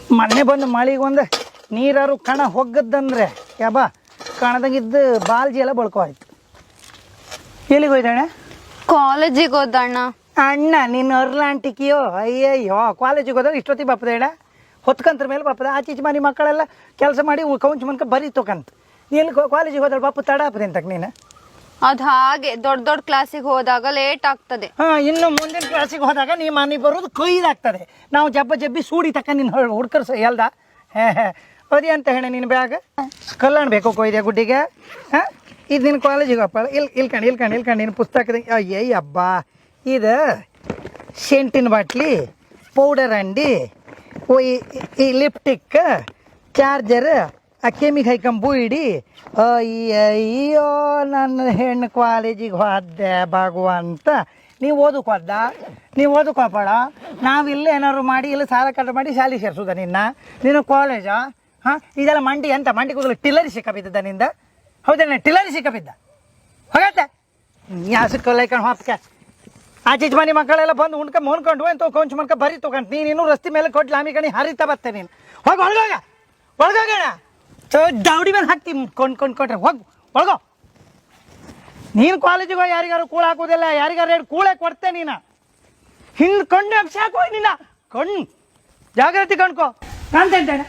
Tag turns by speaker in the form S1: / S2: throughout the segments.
S1: ಮೊನ್ನೆ ಬಂದು ಮಳಿಗೆ ಒಂದು ನೀರಾರು ಕಣ ಹೋಗದ್ದಂದ್ರೆ ಯಾಬ ಕಣದಾಗಿದ್ದು ಬಾಲ್ಜಿ ಎಲ್ಲ ಬಳ್ಕೊ ಆಯ್ತು. ಎಲ್ಲಿಗೆ ಹೋಯ್ತಣ್ಣ?
S2: ಕಾಲೇಜಿಗೆ ಹೋದಣ್ಣ.
S1: ಅಣ್ಣ ನಿನ್ನ ಅರ್ಲಾಂಟಿಕಿಯೋ ಅಯ್ಯಯ್ಯೋ ಕಾಲೇಜಿಗೆ ಹೋದಾಗ ಇಷ್ಟೊತ್ತಿಗೆ ಬಾಪದ ಅಣ್ಣ ಹೊತ್ಕಂತ್ರ ಮೇಲೆ ಬಾಪದ ಆಚೀಚೆ ಮನೆ ಮಕ್ಕಳೆಲ್ಲ ಕೆಲಸ ಮಾಡಿ ಕೌಂಚ್ ಮನ್ಕ ಬರೀ ತೊಕಂತ ನೀನು ಕಾಲೇಜಿಗೆ ಹೋದ್ರೆ ಬಾಪು ತಡ ಆಪದೆ ಅಂತಕ್ ನೀನು.
S2: ಅದ್ ಹಾಗೆ ದೊಡ್ಡ ದೊಡ್ಡ ಕ್ಲಾಸಿಗೆ ಹೋದಾಗ ಲೇಟ್ ಆಗ್ತದೆ.
S1: ಇನ್ನು ಮುಂದಿನ ಕ್ಲಾಸಿಗೆ ಹೋದಾಗ ನೀ ಮನೆ ಬರೋದು ಕೊಯ್ದಾಗ್ತದೆ. ನಾವು ಜಬ್ಬಿ ಸೂಡಿ ತಕ್ಕ ನಿನ್ನ ಹುಡ್ಕರ್ಸ ಎಲ್ದ ಅದೇ ಅಂತ ಹೇಳ ನಿನ್ನ ಬ್ಯಾಗ್ ಕಲ್ಯಾಣ ಬೇಕು ಕೊಯ್ದೆ ಗುಡ್ಡಿಗೆ. ಇದು ನಿನ್ನ ಕಾಲೇಜಿಗೆ ಅಪ್ಪ ಇಲ್ಕಂಡು ನಿನ್ನ ಪುಸ್ತಕದ ಅಯ್ಯಯ್ಯ ಹಬ್ಬ ಇದು ಸೆಂಟಿನ ಬಾಟ್ಲಿ ಪೌಡರ್ ಅಂಡಿ ಈ ಲಿಪ್ಟಿಕ್ ಚಾರ್ಜರ್ ಆ ಕೆಮಿಗೆ ಹೈಕಂಬು ಇಡಿ ಅಯ್ಯಯ್ಯೋ ನನ್ನ ಹೆಣ್ಣು ಕಾಲೇಜಿಗೆ ಹೋದೆ ಭಗವಂತ. ನೀವು ಓದಕ್ಕೆ ಹೋದ ನೀವು ಓದಕ್ಕೆ ಹೋಗ್ಬೇಡ. ನಾವಿಲ್ಲ ಏನಾದ್ರು ಮಾಡಿ ಇಲ್ಲ ಸಾಲ ಕಟ್ಟ ಮಾಡಿ ಶಾಲೆ ಸೇರಿಸೋದ ನಿನ್ನ ಕಾಲೇಜಾ? ಇದೆಲ್ಲ ಮಂಡಿ ಅಂತ ಮಂಡಿ ಕೂದಲು ಟಿಲ್ಲರಿ ಸಿಕ್ಕಬಿದ್ದ ನಿಂದ ಹೌದಣ್ಣ? ಟಿಲ್ಲರಿ ಸಿಕ್ಕಬಿದ್ದ ಹೋಗತ್ತೆ ಯಾಸಕ್ಕೈಕೊಂಡು ಹೊತ್ಕೆ ಆಚೀಚೆ ಮನೆ ಮಕ್ಕಳೆಲ್ಲ ಬಂದು ಮುನ್ಕೊಂಡು ಅಂತ ಕೊಂಚ ಮನ್ಕ ಬರೀ ತೊಗೊಂಡು ನೀನು ರಸ್ತೆ ಮೇಲೆ ಕೊಟ್ಟು ಲಾಮಿ ಕಣಿ ಹರಿತಾ ಬರ್ತೆ ನೀನು. ಹೋಗಿ ಒಳಗೋಗೋಣ ದೌಡಿ ಮೇಲೆ ಹಾಕ್ತಿ ಕೊಂಡ್ರೆ ಹೋಗಿ ಒಳಗೋ. ನೀನು ಕಾಲೇಜಿಗೆ ಹೋಗಿ ಯಾರಿಗಾರು ಕೂಳ ಹಾಕೋದಿಲ್ಲ, ಯಾರಿಗಾರು ಎರಡು ಕೂಳೆ ಕೊಡ್ತೆ ನೀನು. ಹಿಂದೆ ಕೊಂಡು ಸಾಕು ನಿನ್ನ ಕಣ್ಣು ಜಾಗ್ರತೆ ಕಣ್ಕೋ ಕಾಣ್ತೇನೆ.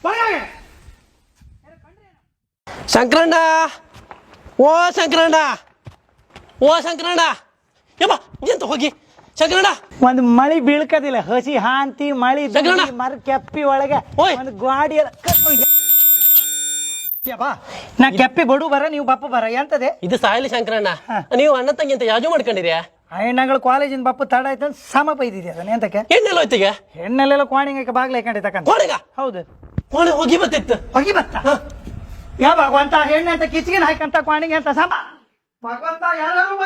S3: ಶಂಕರಣ್ಣ ಓ ಶಂಕರಣ್ಣ ಯಪ್ಪ ಎಂತ ಹೋಗಿ ಶಂಕರಣ್ಣ
S1: ಒಂದು ಮಳಿ ಬೀಳ್ಕದಿಲ್ಲ ಹಸಿ ಹಾಂತಿ ಮಳಿ ಮರ ಕೆಪ್ಪಿ ಒಳಗೆ ಒಂದು ಗಾಡಿ ನಾ ಕೆಪ್ಪಿ ಬಡು ಬರ ನೀವು ಬಪ್ಪ ಬರ ಎಂತದೆ
S3: ಇದು ಸಾಯಲಿ ಶಂಕರಣ್ಣ. ನೀವು ಅಣ್ಣ ತಂಗಿ ಅಂತ ಯಾಜು ಮಾಡ್ಕೊಂಡಿದ್ಯಾ?
S1: ಹೆಣ್ಣಗಳು ಕಾಲೇಜಿನ ಬಪ್ಪ ತಡ ಆಯ್ತು ಅಂತ ಸಮ ಬೈದಿದ್ಯಾ ಅದನ್ನ ಎಂತಕ್ಕೆ?
S3: ಹೆಣ್ಣೆಲ್ಲ ಹೋಯ್ತಿಗೆ
S1: ಹೆಣ್ಣೆಲ್ಲ ಕೋಣಿಗೆ ಬಾಗ್ಲ ಹಾಕೊಂಡಿದ್ದಕ್ಕಂತ ಹೌದು
S3: ಕೋಣೆ ಹೋಗಿ ಬತ್ತಿತ್ತು
S1: ಹೋಗಿ ಬತ್ತ ಯಾ ಭಗವಂತ ಹೆಣ್ಣೆ ಅಂತ ಕಿಚ್ಗಿನ ಹಾಕಂತ ಕೋಣಿಗೆ ಅಂತ ಸಮ ಭಗವಂತ ಯಾರು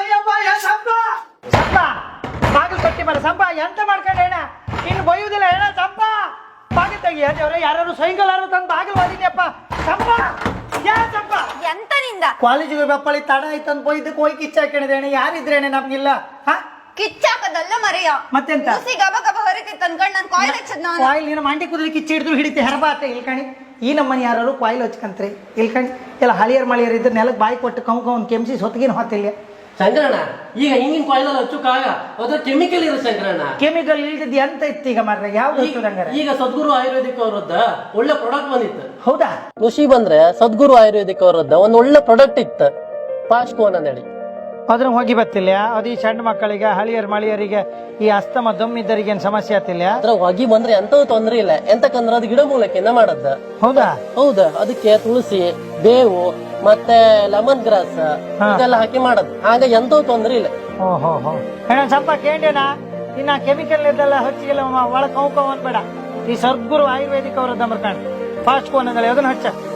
S1: ಬಾಗಿಲು ಕಟ್ಟಿ ಬರ ಸಂಪ ಎಂತ ಮಾಡ್ಕೊಂಡೆ ಹೆಣ ಇನ್ನು ಬೈಯುವುದಿಲ್ಲ ಹೆಣ ಸಂಪ ಬಾಗಿಲು ತೆಗಿಯ ಯಾರು ಸೈಕಲ್ ತಂದು ಬಾಗಿಲು ಓದಿದ್ಯಪ್ಪ ಸಂಪ ಯಾ ಸಂಪ
S2: ಎಂತ ನಿಂದ
S1: ಕಾಲೇಜಿಗೆ ಬಪ್ಪಳಿ ತಡ ಆಯ್ತು ಅಂತ ಬೈದಕ್ಕೆ ಹೋಗಿ ಕಿಚ್ಚ ಹಾಕೊಂಡಿದ್ದೇನೆ. ಯಾರಿದ್ರೇನೆ ನಮ್ಗಿಲ್ಲ
S2: ಕಿಚ್ಚಾಕದಲ್ಲ ಮರೆಯ
S1: ಮತ್ತೆಂತ
S2: ಗಬ ಗಬ ಹೊರತಿತ್ತು ಅನ್ಕೊಂಡು ನಾನು ಕಾಯಿಲ್ ಹಚ್ಚದ್ ನಾನು
S1: ಕಾಯಿಲ್ ನೀನು ಮಂಡಿ ಕುದುರೆ ಕಿಚ್ಚಿ ಹಿಡಿದು ಹಿಡಿತೆ ಹೆರಬಾತೆ ಇಲ್ಕಣಿ. ಈ ನಮ್ಮನೆ ಯಾರು ಕಾಯಿಲ್ ಹಚ್ಕಂತ್ರಿ ಇಲ್ಕಣಿ ಎಲ್ಲ ಹಳಿಯರ್ ಮಳಿಯರ್ ಇದ್ರೆ ನೆಲಕ್ಕೆ ಬಾಯಿ ಕೊಟ್ಟು ಕೌನ್ ಕೆಮ್ಸಿ ಸೊತ್ತಿಗಿನ ಹೊತ್ತಿಲ್ಲ
S3: ಶಂಕರಣ್ಣ. ಈಗ ಹಿಂಗಿನ ಕಾಯಿಲೆಲ್ಲ ಹಚ್ಚುಕಾಗ ಅದ್ರ ಕೆಮಿಕಲ್ ಇರೋ ಶಂಕರಣ್ಣ.
S1: ಕೆಮಿಕಲ್ ಇಲ್ದಿದ್ದು ಎಂತ ಇತ್ತು ಈಗ ಮಾರ್ರೆ ಯಾವ್ದು ಹಚ್ಚೋದಂಗಾರೆ?
S3: ಈಗ ಸದ್ಗುರು ಆಯುರ್ವೇದಿಕ್ ಅವರದ್ದ ಒಳ್ಳೆ ಪ್ರಾಡಕ್ಟ್ ಬಂದಿತ್ತು.
S1: ಹೌದಾ?
S3: ಖುಷಿ ಬಂದ್ರೆ ಸದ್ಗುರು ಆಯುರ್ವೇದಿಕ್ ಅವರದ್ದ ಒಂದು ಒಳ್ಳೆ ಪ್ರಾಡಕ್ಟ್ ಇತ್ತು ಪಾಸ್ಕೋನ್ ಅಂತೇಳಿ.
S1: ಅದ್ರ ಹೋಗಿ ಬತ್ತಿಲ್ಲ ಅದು ಈ ಸಣ್ಣ ಮಕ್ಕಳಿಗೆ ಹಳಿಯರ್ ಮಳಿಯರಿಗೆ ಈ ಅಸ್ತಮ ದಮ್ಮಿದ್ದರಿಗೆ ಏನ್ ಸಮಸ್ಯೆ ಆತಿಲ್ಲ?
S3: ಅದ್ರ ಹೊಗಿ ಬಂದ್ರೆ ಎಂತೂ ತೊಂದ್ರೆ ಇಲ್ಲ. ಎಂತಕಂದ್ರೆ ಅದು ಗಿಡ ಮೂಲಕೆನ ಮಾಡದ್ದ.
S1: ಹೌದಾ?
S3: ಹೌದಾ. ಅದಕ್ಕೆ ತುಳಸಿ ಬೇವು ಮತ್ತೆ ಲೆಮನ್ ಗ್ರಾಸ್ ಇದೆಲ್ಲ ಹಾಕಿ ಮಾಡದ್. ಆಗ ಎಂತೂ ತೊಂದ್ರೆ ಇಲ್ಲ.
S1: ಓಹೋ ಸ್ವಲ್ಪ ಕೇಂಡೇನಾ ಇನ್ನ ಕೆಮಿಕಲ್ ಇದೆಲ್ಲ ಹಚ್ಚಿಗೆಲ್ಲ ಒಳಗ್ ಕೌ ಅನ್ಬೇಡ. ಈ ಸದ್ಗುರು ಆಯುರ್ವೇದಿಕ್ ಅವರದ್ದು ಕಾಣ ಫಾಸ್ಟ್ ಕೋನ್ ಅಂದ್ರೆ ಅದನ್ನ ಹಚ್ಚ